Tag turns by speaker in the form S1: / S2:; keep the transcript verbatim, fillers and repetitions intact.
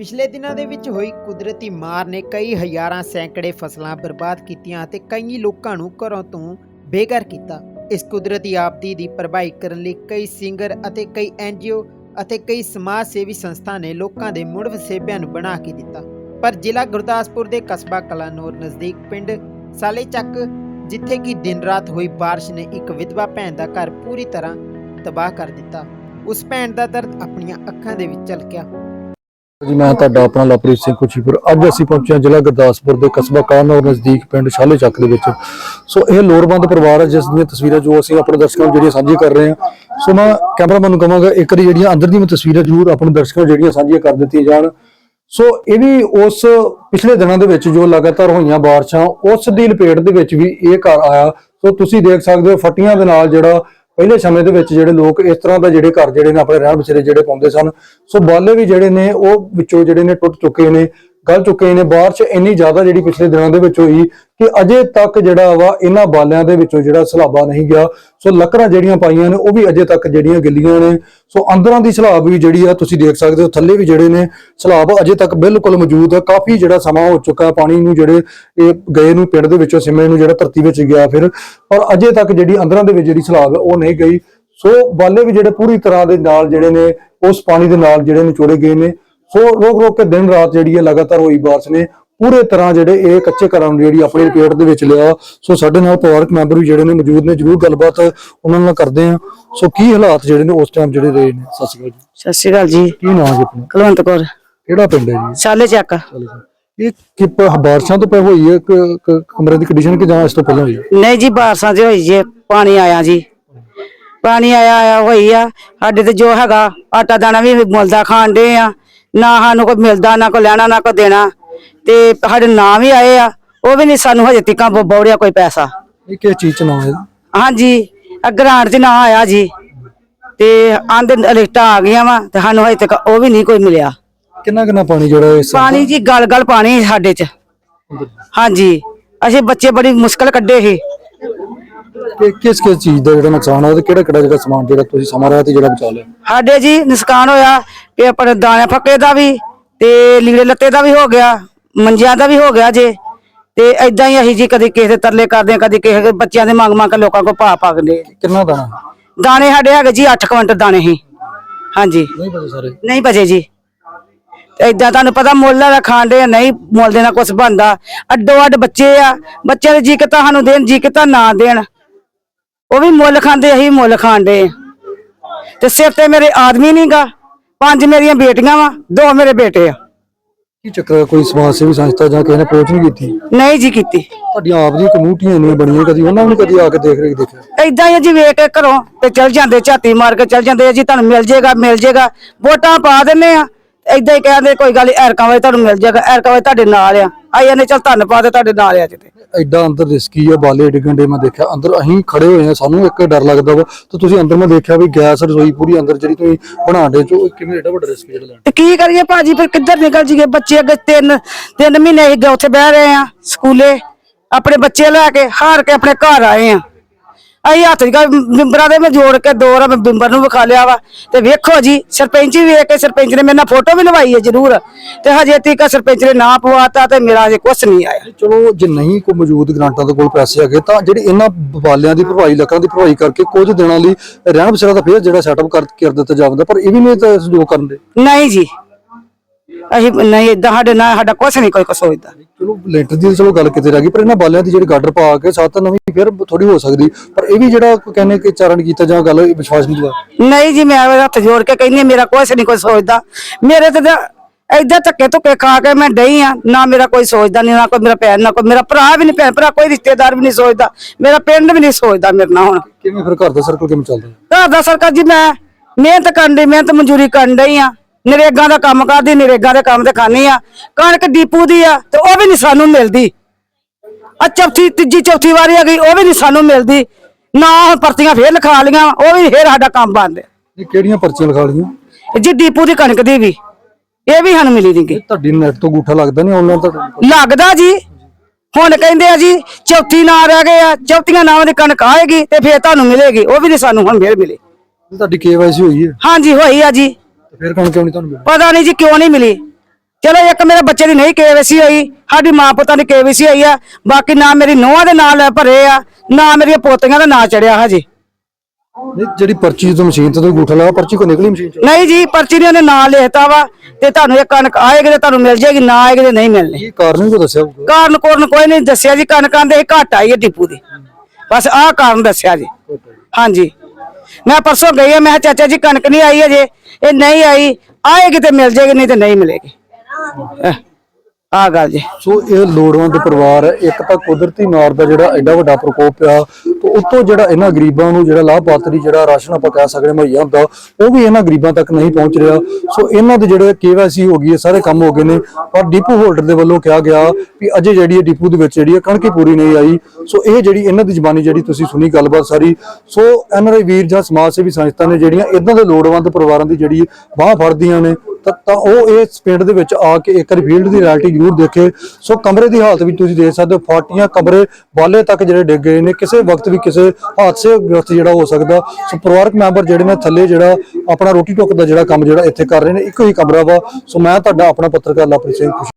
S1: ਪਿਛਲੇ ਦਿਨਾਂ ਦੇ ਵਿੱਚ ਹੋਈ ਕੁਦਰਤੀ ਮਾਰ ਨੇ ਕਈ ਹਜ਼ਾਰਾਂ ਸੈਂਕੜੇ ਫਸਲਾਂ ਬਰਬਾਦ ਕੀਤੀਆਂ ਅਤੇ ਕਈ ਲੋਕਾਂ ਨੂੰ ਘਰੋਂ ਤੋਂ ਬੇਘਰ ਕੀਤਾ। ਇਸ ਕੁਦਰਤੀ ਆਪਦੀ ਦੀ ਭਰਪਾਈ ਕਰਨ ਲਈ ਕਈ ਸਿੰਗਰ ਅਤੇ ਕਈ ਐਨ ਜੀ ਓ ਅਤੇ ਕਈ ਸਮਾਜ ਸੇਵੀ ਸੰਸਥਾ ਨੇ ਲੋਕਾਂ ਦੇ ਮੁੜ ਵਸੇਬਿਆਂ ਨੂੰ ਬਣਾ ਕੇ ਦਿੱਤਾ। ਪਰ ਜ਼ਿਲ੍ਹਾ ਗੁਰਦਾਸਪੁਰ ਦੇ ਕਸਬਾ ਕਲਾਨੌਰ ਨਜ਼ਦੀਕ ਪਿੰਡ ਸਾਲੇ ਚੱਕ, ਜਿੱਥੇ ਕਿ ਦਿਨ ਰਾਤ ਹੋਈ ਬਾਰਿਸ਼ ਨੇ ਇੱਕ ਵਿਧਵਾ ਭੈਣ ਦਾ ਘਰ ਪੂਰੀ ਤਰ੍ਹਾਂ ਤਬਾਹ ਕਰ ਦਿੱਤਾ। ਉਸ ਭੈਣ ਦਾ ਦਰਦ ਆਪਣੀਆਂ ਅੱਖਾਂ ਦੇ ਵਿੱਚ ਝਲਕਿਆ।
S2: जी मैं ਤੁਹਾਡਾ ਆਪਣਾ ਲਵਪ੍ਰੀਤ ਸਿੰਘ ਖੁਸ਼ੀਪੁਰ। ਅੱਜ ਅਸੀਂ ਪਹੁੰਚੇ ਹਾਂ ਜ਼ਿਲ੍ਹਾ ਗੁਰਦਾਸਪੁਰ ਦੇ ਕਸਬਾ ਕਲਾਨੌਰ ਨਜ਼ਦੀਕ ਪਿੰਡ ਛਾਲੇ ਚੱਕ ਦੇ ਵਿੱਚ। ਸੋ ਇਹ ਲੋੜਵੰਦ ਪਰਿਵਾਰ ਹੈ ਜਿਸ ਦੀਆਂ ਤਸਵੀਰਾਂ ਜੋ ਅਸੀਂ ਆਪਣੇ ਦਰਸ਼ਕਾਂ ਨੂੰ ਜਿਹੜੀਆਂ ਸਾਂਝੀਆਂ ਕਰ ਰਹੇ ਹਾਂ। ਸੋ ਮੈਂ ਕੈਮਰਾਮੈਨ ਨੂੰ ਕਹਾਂਗਾ ਇੱਕ ਵਾਰੀ ਜਿਹੜੀਆਂ ਅੰਦਰ ਦੀਆਂ ਤਸਵੀਰਾਂ ਜ਼ਰੂਰ ਆਪਣੇ ਦਰਸ਼ਕਾਂ ਨੂੰ ਜਿਹੜੀਆਂ ਸਾਂਝੀਆਂ ਕਰ ਦਿੱਤੀਆਂ ਜਾਣ। ਸੋ ਇਹ ਵੀ ਉਸ ਪਿਛਲੇ ਦਿਨਾਂ ਦੇ ਵਿੱਚ ਜੋ ਲਗਾਤਾਰ ਹੋਈਆਂ ਬਾਰਿਸ਼ਾਂ ਉਸ ਦੀ ਲਪੇਟ ਦੇ ਵਿੱਚ ਵੀ ਇਹ ਘਰ ਆਇਆ। ਸੋ ਤੁਸੀਂ ਦੇਖ ਸਕਦੇ ਹੋ ਫੱਟੀਆਂ ਦੇ ਨਾਲ ਜਿਹੜਾ ਪਹਿਲੇ ਸਮੇਂ ਦੇ ਵਿੱਚ ਜਿਹੜੇ ਲੋਕ ਇਸ ਤਰ੍ਹਾਂ ਦਾ ਜਿਹੜੇ ਘਰ ਜਿਹੜੇ ਨੇ ਆਪਣੇ ਰਹਿਣ ਬਸੇਰੇ ਜਿਹੜੇ ਪਾਉਂਦੇ ਸਨ। ਸੋ ਬਾਲੇ ਵੀ ਜਿਹੜੇ ਨੇ ਉਹ ਵਿੱਚੋਂ ਜਿਹੜੇ ਨੇ ਟੁੱਟ ਚੁੱਕੇ ਨੇ, ਗਲ ਚੁੱਕੇ ਨੇ। ਬਾਰਿਸ਼ ਇੰਨੀ ਜ਼ਿਆਦਾ ਜਿਹੜੀ ਪਿਛਲੇ ਦਿਨਾਂ ਦੇ ਵਿੱਚ ਹੋਈ ਕਿ ਅਜੇ ਤੱਕ ਜਿਹੜਾ ਵਾ ਇਹਨਾਂ ਬਾਲਿਆਂ ਦੇ ਵਿੱਚੋਂ ਜਿਹੜਾ ਸਲਾਬਾ ਨਹੀਂ ਗਿਆ। ਸੋ ਲੱਕੜਾਂ ਜਿਹੜੀਆਂ ਪਾਈਆਂ ਨੇ ਉਹ ਵੀ ਅਜੇ ਤੱਕ ਜਿਹੜੀਆਂ ਗਿੱਲੀਆਂ ਨੇ। ਸੋ ਅੰਦਰਾਂ ਦੀ ਸਲਾਬ ਵੀ ਜਿਹੜੀ ਆ ਤੁਸੀਂ ਦੇਖ ਸਕਦੇ ਹੋ, ਥੱਲੇ ਵੀ ਜਿਹੜੇ ਨੇ ਸਲਾਬ ਅਜੇ ਤੱਕ ਬਿਲਕੁਲ ਮੌਜੂਦ ਹੈ। ਕਾਫੀ ਜਿਹੜਾ ਸਮਾਂ ਹੋ ਚੁੱਕਾ ਪਾਣੀ ਨੂੰ ਜਿਹੜੇ ਇਹ ਗਏ ਨੂੰ ਪਿੰਡ ਦੇ ਵਿੱਚੋਂ ਸਿਮੇ ਨੂੰ ਜਿਹੜਾ ਧਰਤੀ ਵਿੱਚ ਗਿਆ ਫਿਰ, ਪਰ ਅਜੇ ਤੱਕ ਜਿਹੜੀ ਅੰਦਰਾਂ ਦੇ ਵਿੱਚ ਜਿਹੜੀ ਸਲਾਬ ਹੈ ਉਹ ਨਹੀਂ ਗਈ। ਸੋ ਬਾਲੇ ਵੀ ਜਿਹੜੇ ਪੂਰੀ ਤਰ੍ਹਾਂ ਦੇ ਨਾਲ ਜਿਹੜੇ ਨੇ ਉਸ ਪਾਣੀ ਦੇ ਨਾਲ ਜਿਹੜੇ ਨਿਚੋੜੇ ਗਏ ਨੇ। ਸੋ ਰੋਕ ਰੋਕ ਕੇ ਦਿਨ ਰਾਤ ਜਿਹੜੀ ਹੈ ਲਗਾਤਾਰ ਹੋਈ ਬਾਰਿਸ਼ ਨੇ ਪੂਰੇ ਤਰ੍ਹਾਂ ਜਿਹੜੇ ਇਹ ਕੱਚੇ ਘਰਾਂ ਨੂੰ ਜਿਹੜੀ ਆਪਣੀ ਲਪੇਟ ਦੇ ਵਿੱਚ ਲਿਆ। ਸੋ ਸਾਡੇ ਨਾਲ ਪਰਿਵਾਰਕ ਮੈਂਬਰ ਵੀ ਜਿਹੜੇ ਨੇ ਮੌਜੂਦ ਨੇ, ਜਰੂਰ ਗੱਲਬਾਤ ਉਹਨਾਂ ਨਾਲ ਕਰਦੇ ਆ। ਸੋ ਕੀ ਹਾਲਾਤ ਜਿਹੜੇ ਨੇ ਉਸ ਟਾਈਮ ਜਿਹੜੇ ਰਹੇ ਨੇ। ਸਤਿ ਸ਼੍ਰੀ ਅਕਾਲ ਜੀ।
S3: ਸਤਿ ਸ਼੍ਰੀ ਅਕਾਲ ਜੀ।
S2: ਕੀ ਨਾਮ ਹੈ ਆਪਣਾ?
S3: ਕੁਲਵੰਤ ਕੌਰ।
S2: ਕਿਹੜਾ ਪਿੰਡ ਹੈ ਜੀ?
S3: ਛਾਲੇ ਚੱਕ।
S2: ਇਹ ਕਿ ਬਾਰਿਸ਼ਾਂ ਤੋਂ ਪਹਿਲਾਂ ਹੋਈ ਹੈ ਕਮਰੇ ਦੀ ਕੰਡੀਸ਼ਨ ਕਿ ਜਾਂ ਇਸ ਤੋਂ ਪਹਿਲਾਂ ਹੋਈ ਹੈ?
S3: ਨਹੀਂ ਜੀ, ਬਾਰਿਸ਼ਾਂ ਚ ਹੋਈ ਜੀ, ਪਾਣੀ ਆਇਆ ਜੀ, ਪਾਣੀ ਆਇਆ ਆਇਆ ਹੋਈ ਆ। ਸਾਡੇ ਤੇ ਜੋ ਹੈਗਾ ਆਟਾ ਦਾਣਾ ਵੀ ਮੁੱਲ ਦਾ ਖਾਣ ਦੇ ਆ, ਨਾ ਸਾਨੂੰ ਕੋਈ ਮਿਲਦਾ, ਨਾ ਕੋਈ ਲੈਣਾ, ਨਾ ਕੋਈ ਦੇਣਾ। ਤੇ ਸਾਡੇ ਨਾਂ ਵੀ ਆਏ ਆ, ਉਹ ਵੀ ਨਹੀਂ ਸਾਨੂੰ ਹਜੇ ਤੱਕ ਬੌੜਿਆ ਕੋਈ ਪੈਸਾ।
S2: ਇਹ ਕਿਸ ਚੀਜ਼ ਚ ਨਾਮ ਹੈ?
S3: ਹਾਂਜੀ, ਗ੍ਰਾਂਟ ਚ ਨਾਂ ਆਇਆ ਜੀ, ਤੇ ਆਂਦੇ ਲਿਸਟਾਂ ਆ ਗਈਆਂ ਵਾ ਤੇ ਸਾਨੂੰ ਹਜੇ ਤੱਕ ਉਹ ਵੀ ਨਹੀਂ ਕੋਈ ਮਿਲਿਆ।
S2: ਕਿੰਨਾ ਕਿੰਨਾ ਪਾਣੀ ਜਿਹੜਾ ਇਸ
S3: ਪਾਣੀ ਜੀ ਗਲ ਗਲ ਪਾਣੀ ਸਾਡੇ ਚ। ਹਾਂਜੀ, ਅਸੀਂ ਬੱਚੇ ਬੜੀ ਮੁਸ਼ਕਲ ਕੱਢੇ ਸੀ।
S2: ਕਿਸ ਕਿਸ ਚੀਜ਼ ਦਾ ਜਿਹੜਾ ਨੁਕਸਾਨ ਹੋਇਆ ਤੇ ਕਿਹੜਾ ਕਿਹੜਾ ਜਿਹੜਾ ਸਮਾਨ ਜਿਹੜਾ ਤੁਸੀਂ ਸਮਾਂ ਰਿਹਾ ਤੇ ਜਿਹੜਾ ਬਚਾ ਲਿਆ?
S3: ਸਾਡੇ ਜੀ ਨੁਕਸਾਨ ਹੋਇਆ ਕਿ ਆਪਣੇ ਦਾਣੇ ਫੱਕੇ ਦਾ ਵੀ ਤੇ ਲੀੜੇ ਲੱਤੇ ਦਾ ਵੀ ਹੋ ਗਿਆ, ਮੰਜਿਆਂ ਦਾ ਵੀ ਹੋ ਗਿਆ ਜੇ। ਤੇ ਏਦਾਂ ਹੀ ਅਸੀਂ ਜੀ ਕਦੀ ਕਿਸੇ ਦੇ ਤਰਲੇ ਕਰਦੇ ਆ, ਕਦੀ ਕਿਸੇ ਬੱਚਿਆਂ ਦੇ ਮੰਗ ਮੰਗ ਕੇ ਲੋਕਾਂ ਕੋਲ ਪਾ ਪਾਗਦੇ।
S2: ਕਿੰਨਾ ਦਾਣਾ?
S3: ਦਾਣੇ ਸਾਡੇ ਹੈਗੇ ਜੀ ਅੱਠ ਕੁਇੰਟਲ ਦਾਣੇ ਸੀ। ਹਾਂਜੀ,
S2: ਨਹੀਂ ਬਚੇ ਸਾਰੇ?
S3: ਨਹੀਂ ਬਚੇ ਜੀ। ਏਦਾਂ ਤੁਹਾਨੂੰ ਪਤਾ ਮੁੱਲ ਦਾ ਖਾਣ ਦੇ ਨਹੀਂ, ਮੁੱਲ ਦੇ ਨਾਲ ਕੁਛ ਬਣਦਾ। ਅੱਡੋ ਅੱਡ ਬੱਚੇ ਆ, ਬੱਚਿਆਂ ਦੇ ਜੀ ਕਿਤਾ ਸਾਨੂੰ ਦੇਣ, ਜੀ ਕਿਤਾ ਨਾ ਦੇਣ। ਉਹ ਵੀ ਮੁੱਲ ਖਾਂਦੇ, ਅਸੀਂ ਮੁੱਲ ਖਾਣ ਦੇ। ਤੇ ਸਿਰ ਤੇ ਮੇਰੇ ਆਦਮੀ ਨੀ ਗਾ, ਪੰਜ ਮੇਰੀਆਂ ਬੇਟੀਆਂ ਵਾ, ਦੋ ਮੇਰੇ ਬੇਟੇ ਆ।
S2: ਕੀ ਚੱਕਰ? ਕੋਈ ਸਮਾਜ ਸੇਵੀ ਸੰਸਥਾ ਜਾਂ ਕਿਸੇ ਨੇ ਅਪਰੋਚ ਨਹੀਂ ਕੀਤੀ?
S3: ਨਹੀਂ ਜੀ ਕੀਤੀ।
S2: ਤੁਹਾਡੀਆਂ ਆਪ ਦੀ ਕਮੇਟੀਆਂ ਇੰਨੀਆਂ ਬਣੀਆਂ, ਕਦੀ ਉਹਨਾਂ ਨੂੰ ਕਦੀ ਆ ਕੇ ਦੇਖ ਰੇਖ ਦੇਖਿਆ?
S3: ਏਦਾਂ ਹੀ ਜੀ, ਵੇਖ ਕੇ ਘਰੋਂ ਤੇ ਚਲ ਜਾਂਦੇ, ਝਾਤੀ ਮਾਰ ਕੇ ਚਲ ਜਾਂਦੇ ਆ ਜੀ, ਤੁਹਾਨੂੰ ਮਿਲ ਜੇਗਾ ਮਿਲ ਜੇਗਾ, ਵੋਟਾਂ ਪਾ ਦਿੰਨੇ ਆ। ਏਦਾਂ ਹੀ ਕਹਿੰਦੇ ਕੋਈ ਗੱਲ ਐਰਕਾਂ ਵਾਲੇ ਤੁਹਾਨੂੰ ਮਿਲ ਜਾਏਗਾ, ਐਰਕਾਂ ਵਾਲੇ ਤੁਹਾਡੇ ਨਾਲ ਆ। ਆਈ ਜਾਂਦੇ ਚੱਲ ਧੰਨ ਪਾ ਦੇ ਤੁਹਾਡੇ ਨਾਲ ਆ। ਜਿੱਤੇ
S2: ਐਡਾ ਅੰਦਰ ਰਿਸਕੀ ਆ, ਬਾਲੇ ਡਿੱਗਣ ਦੇ ਮੈਂ ਦੇਖਿਆ ਅੰਦਰ। ਅਸੀਂ ਖੜੇ ਹੋਏ ਆ, ਸਾਨੂੰ ਇੱਕ ਡਰ ਲੱਗਦਾ ਵਾ। ਤੇ ਤੁਸੀਂ ਅੰਦਰ ਮੈਂ ਦੇਖਿਆ ਵੀ ਗੈਸ ਰਸੋਈ ਪੂਰੀ ਅੰਦਰ ਜਿਹੜੀ ਤੁਸੀਂ ਬਣਾਉਂਦੇ ਚੋ, ਕਿਵੇਂ ਐਡਾ ਵੱਡਾ ਰਿਸਕ ਜਿਹੜਾ ਲੈਣਾ?
S3: ਤੇ ਕੀ ਕਰੀਏ ਭਾਜੀ, ਫਿਰ ਕਿੱਧਰ ਨਿਕਲ ਜੀਏ? ਬੱਚੇ ਅੱਗੇ ਤਿੰਨ ਤਿੰਨ ਮਹੀਨੇ ਅਸੀਂ ਉੱਥੇ ਬਹਿ ਰਹੇ ਆ ਸਕੂਲੇ, ਆਪਣੇ ਬੱਚੇ ਲੈ ਕੇ ਹਾਰ ਕੇ ਆਪਣੇ ਘਰ ਆਏ ਆ। ਅਸੀਂ ਹੱਥ ਬਿੰਬਰਾਂ ਦੇ ਮੈਂ ਜੋੜ ਕੇ ਦੋ ਰ ਬਿੰਬਰ ਨੂੰ ਵਿਖਾ ਲਿਆ ਵਾ। ਤੇ ਵੇਖੋ ਜੀ, ਸਰਪੰਚ ਵੀ ਵੇਖ ਕੇ ਸਰਪੰਚ ਨੇ ਮੇਰੇ ਨਾਲ ਫੋਟੋ ਵੀ ਲਵਾਈ ਹੈ ਜ਼ਰੂਰ, ਤੇ ਹਜੇ ਤੱਕ ਸਰਪੰਚ ਨੇ ਨਾ ਪਵਾਤਾ ਤੇ ਮੇਰਾ ਹਜੇ ਕੁਛ ਨਹੀਂ ਆਇਆ।
S2: ਚਲੋ ਜੇ ਨਹੀਂ ਕੋਈ ਮੌਜੂਦ ਗ੍ਰਾਂਟਾਂ ਦੇ ਕੋਲ ਪੈਸੇ ਹੈਗੇ ਤਾਂ ਜਿਹੜੇ ਇਹਨਾਂ ਬਾਲਿਆਂ ਦੀ ਭਰਪਾਈ, ਲੱਕਾਂ ਦੀ ਭਰਪਾਈ ਕਰਕੇ ਕੁਝ ਦਿਨਾਂ ਲਈ ਰਹਿਣ ਬਸੇਰਾ ਤਾਂ ਫੇਰ ਜਿਹੜਾ ਸੈਟਅਪ ਕਰ ਕਰ ਦਿੱਤਾ ਜਾਵਦਾ, ਪਰ ਇਹ ਵੀ ਨਹੀਂ ਤਾਂ ਸਹਿਯੋਗ ਕਰਨ ਦੇ।
S3: ਨਹੀਂ ਜੀ, ਅਸੀਂ ਨਹੀਂ, ਏਦਾਂ ਸਾਡੇ ਨਾਲ ਸਾਡਾ ਕੁਛ ਨਹੀਂ ਕੋਈ ਕੁਛ ਸੋਚਦਾ।
S2: ਚਲੋ ਲੈਂਟਰ ਦੀ ਚਲੋ ਗੱਲ ਕਿਤੇ ਰਹਿ ਗਈ, ਪਰ ਇਹਨਾਂ ਬਾਲਿਆਂ ਦੀ ਜਿਹੜੀ ਗਾਡਰ ਪਾ ਕੇ ਸਾਥ ਨਵੀਂ ਫਿਰ ਥੋੜੀ ਹੋ ਸਕਦੀ। ਪਰ ਇਹ ਵੀ ਜਿਹੜਾ ਕਹਿੰਦੇ ਕਿ ਚਾਰਨ ਕੀਤਾ ਜਾਂ ਗੱਲ ਵਿਸ਼ਵਾਸ ਨਹੀਂ ਦਵਾ।
S3: ਨਹੀਂ ਜੀ, ਮੈਂ ਹੱਥ ਜੋੜ ਕੇ ਕਹਿੰਦੀ ਮੇਰਾ ਕੁਛ ਨਹੀਂ ਕੋਈ ਸੋਚਦਾ। ਮੇਰੇ ਤੇ ਏਦਾਂ ਧੱਕੇ ਧੁੱਕੇ ਖਾ ਕੇ ਮੈਂ ਡਈ ਆ, ਨਾ ਮੇਰਾ ਕੋਈ ਸੋਚਦਾ, ਨਹੀਂ ਨਾ ਕੋਈ ਮੇਰਾ ਭੈਣ, ਨਾ ਕੋਈ ਮੇਰਾ ਭਰਾ ਵੀ ਨਹੀਂ, ਭੈਣ ਭਰਾ ਕੋਈ ਰਿਸ਼ਤੇਦਾਰ ਵੀ ਨਹੀਂ ਸੋਚਦਾ, ਮੇਰਾ ਪਿੰਡ ਵੀ ਨਹੀਂ ਸੋਚਦਾ ਮੇਰੇ ਨਾਲ। ਹੁਣ
S2: ਕਿਵੇਂ ਫਿਰ ਘਰ ਦਾ ਸਰਕਲ ਕਿਵੇਂ ਚੱਲਦਾ?
S3: ਘਰ ਦਾ ਸਰਕਲ ਜੀ, ਮੈਂ ਮਿਹਨਤ ਕਰਨ ਦੀ, ਮਿਹਨਤ ਮਜ਼ਦੂਰੀ ਕਰਨ ਡਈ ਆ, ਨਰੇਗਾ ਦਾ ਕੰਮ ਕਰਦੀ, ਨਰੇਗਾ ਦੇ ਕੰਮ ਤੇ ਖਾਣੀ ਆ। ਕਣਕ ਡੀਪੂ ਦੀ ਆ ਤੇ ਉਹ ਵੀ ਨਹੀਂ ਸਾਨੂੰ ਮਿਲਦੀ। ਆ ਚੌਥੀ ਤੀਜੀ ਚੌਥੀ ਵਾਰੀ ਆ ਗਈ, ਉਹ ਵੀ ਨਹੀਂ ਸਾਨੂੰ ਮਿਲਦੀ। ਨਾ ਹੁਣ ਪਰਚੀਆਂ ਫੇਰ ਲਿਖਾ ਲੀਆਂ, ਉਹ ਵੀ ਫੇਰ ਸਾਡਾ ਕੰਮ ਬੰਦ।
S2: ਇਹ ਕਿਹੜੀਆਂ ਪਰਚੀਆਂ ਲਿਖਾ ਲਈਆਂ
S3: ਜੀ? ਡੀਪੂ ਦੀ ਕਣਕ ਦੀ ਵੀ, ਇਹ ਵੀ ਸਾਨੂੰ ਮਿਲੀ ਨਹੀਂ।
S2: ਤੁਹਾਡੀ ਨੈਟ ਤੋਂ ਅੰਗੂਠਾ ਲੱਗਦਾ ਨਹੀਂ ਆਨਲਾਈਨ ਤੁਹਾਡਾ?
S3: ਲੱਗਦਾ ਜੀ। ਹੁਣ ਕਹਿੰਦੇ ਆ ਜੀ ਚੌਥੀ ਨਾ ਰਹਿ ਗਏ ਆ, ਚੌਥੀਆਂ ਨਾਵਾਂ ਦੀ ਕਣਕ ਆਏਗੀ ਤੇ ਫੇਰ ਤੁਹਾਨੂੰ ਮਿਲੇਗੀ, ਉਹ ਵੀ ਨਹੀਂ ਸਾਨੂੰ ਹੁਣ ਫੇਰ ਮਿਲੀ।
S2: ਤੁਹਾਡੀ ਕੇ ਵਾਈ ਸੀ ਹੋਈ ਹੈ?
S3: ਹਾਂਜੀ ਹੋਈ ਆ ਜੀ।
S2: ਫਿਰ ਕਣਕ ਕਿਉਂ ਨਹੀਂ ਤੁਹਾਨੂੰ ਮਿਲੀ?
S3: ਪਤਾ ਨਹੀਂ ਜੀ ਕਿਉਂ ਨਹੀਂ ਮਿਲੀ। ਚਲੋ ਇੱਕ ਮੇਰੇ ਬੱਚੇ ਦੀ ਨਹੀਂ ਕੇਵੀਸੀ ਹੋਈ, ਸਾਡੀ ਮਾਂ ਪੁੱਤਾਂ ਦੀ ਕੇਵੀਸੀ ਹੋਈ ਆ, ਬਾਕੀ ਨਾ ਮੇਰੀ ਨੂੰਹਾਂ ਦੇ ਨਾਂ ਲੈ ਭਰੇ ਆ, ਨਾ ਮੇਰੀਆਂ ਪੋਤੀਆਂ ਦਾ ਨਾਂ ਚੜਿਆ ਹਜੇ।
S2: ਨਹੀਂ ਜਿਹੜੀ ਪਰਚੀ ਤੋਂ ਮਸ਼ੀਨ ਤੇ ਤੁਸੀਂ ਅੰਗੂਠਾ ਲਾਇਆ, ਪਰਚੀ ਕੋ ਨਿਕਲੀ ਮਸ਼ੀਨ ਚੋਂ?
S3: ਨਹੀਂ ਜੀ, ਪਰਚੀ ਨੇ ਉਹਨੇ ਨਾਂ ਲਿਖਤਾ ਵਾ ਤੇ ਤੁਹਾਨੂੰ ਇਹ ਕਣਕ ਆਏਗੀ ਤੇ ਤੁਹਾਨੂੰ ਮਿਲ ਜਾਏਗੀ, ਨਾ ਆਏਗੀ ਤੇ ਨਹੀਂ ਮਿਲਣੀ।
S2: ਕੀ ਕਾਰਨ ਵੀ ਕੋ ਦੱਸਿਆ ਹੋਊਗਾ?
S3: ਕਾਰਨ ਕੋਰਨ ਕੋਈ ਨਹੀਂ ਦੱਸਿਆ ਜੀ, ਕਣਕਾਂ ਦੇ ਘੱਟ ਆਈ ਹੈ ਡਿਪੂ ਦੀ, ਬਸ ਆਹ ਕਾਰਨ ਦੱਸਿਆ ਜੀ। ਹਾਂਜੀ, ਮੈਂ ਪਰਸੋਂ ਗਈ ਆ, ਮੈਂ ਕਿਹਾ ਚਾਚਾ ਜੀ ਕਣਕ ਨਹੀਂ ਆਈ ਅਜੇ, ਇਹ ਨਹੀਂ ਆਈ, ਆਏਗੀ ਤੇ ਮਿਲ ਜਾਏਗੀ, ਨਹੀਂ ਤੇ ਨਹੀਂ ਮਿਲੇਗੀ। ਆ ਗੱਲ ਜੀ।
S2: ਸੋ ਇਹ ਲੋੜਵੰਦ ਪਰਿਵਾਰ ਹੈ, ਇੱਕ ਤਾਂ ਕੁਦਰਤੀ ਮਾਰ ਦਾ ਜਿਹੜਾ ਐਡਾ ਵੱਡਾ ਪ੍ਰਕੋਪ ਆ, ਤੇ ਉੱਤੋਂ ਜਿਹੜਾ ਇਹਨਾਂ ਗਰੀਬਾਂ ਨੂੰ ਜਿਹੜਾ ਲਾਭਪਾਤਰੀ ਜਿਹੜਾ ਰਾਸ਼ਨ ਆਪਾਂ ਕਹਿ ਸਕਦੇ ਮੁਹੱਈਆ ਹੁੰਦਾ, ਉਹ ਵੀ ਇਹਨਾਂ ਗਰੀਬਾਂ ਤੱਕ ਨਹੀਂ ਪਹੁੰਚ ਰਿਹਾ। ਸੋ ਇਹਨਾਂ ਦੇ ਜਿਹੜੇ ਕੇਵਾਈਸੀ ਹੋ ਗਈ ਹੈ, ਸਾਰੇ ਕੰਮ ਹੋ ਗਏ ਨੇ, ਪਰ ਡਿਪੂ ਹੋਲਡਰ ਦੇ ਵੱਲੋਂ ਕਿਹਾ ਗਿਆ ਵੀ ਅਜੇ ਜਿਹੜੀ ਡਿਪੂ ਦੇ ਵਿੱਚ ਜਿਹੜੀ ਕਣਕ ਪੂਰੀ ਨਹੀਂ ਆਈ। ਸੋ ਇਹ ਜਿਹੜੀ ਇਹਨਾਂ ਦੀ ਜ਼ਬਾਨੀ ਜਿਹੜੀ ਤੁਸੀਂ ਸੁਣੀ ਗੱਲਬਾਤ ਸਾਰੀ, ਸੋ ਐਨਆਰਆਈ ਵੀਰ ਜਾਂ ਸਮਾਜ ਸੇਵੀ ਸੰਸਥਾ ਨੇ ਜਿਹੜੀਆਂ ਇਦਾਂ ਦੇ ਲੋੜਵੰਦ ਪਰਿਵਾਰਾਂ ਦੀ ਜਿਹੜੀ ਬਾਹ ਫੜਦੀਆਂ ਨੇ, ਤਾਂ ਉਹ ਇਸ ਪਿੰਡ ਦੇ ਵਿੱਚ ਆ ਕੇ ਇੱਕ ਵਾਰੀ ਫੀਲਡ ਦੀ ਰਿਐਲਿਟੀ ਜ਼ਰੂਰ ਦੇਖੇ। ਸੋ ਕਮਰੇ ਦੀ ਹਾਲਤ ਵੀ ਤੁਸੀਂ ਦੇਖ ਸਕਦੇ ਹੋ, ਫਾਟੀਆਂ ਕਮਰੇ ਬਾਲੇ ਤੱਕ ਜਿਹੜੇ ਡਿੱਗ ਗਏ ਨੇ, ਕਿਸੇ ਵਕਤ ਵੀ ਕਿਸੇ ਹਾਦਸੇ ਗ੍ਰਸਤ ਜਿਹੜਾ ਹੋ ਸਕਦਾ। ਸੋ ਪਰਿਵਾਰਕ ਮੈਂਬਰ ਜਿਹੜੇ ਨੇ ਥੱਲੇ ਜਿਹੜਾ ਆਪਣਾ ਰੋਟੀ ਟੁੱਕ ਦਾ ਜਿਹੜਾ ਕੰਮ ਜਿਹੜਾ ਇੱਥੇ ਕਰ ਰਹੇ ਨੇ, ਇੱਕੋ ਹੀ ਕਮਰਾ ਵਾ। ਸੋ ਮੈਂ ਤੁਹਾਡਾ ਆਪਣਾ ਪੱਤਰਕਾਰ ਲਵਪ੍ਰੀਤ ਸਿੰਘ।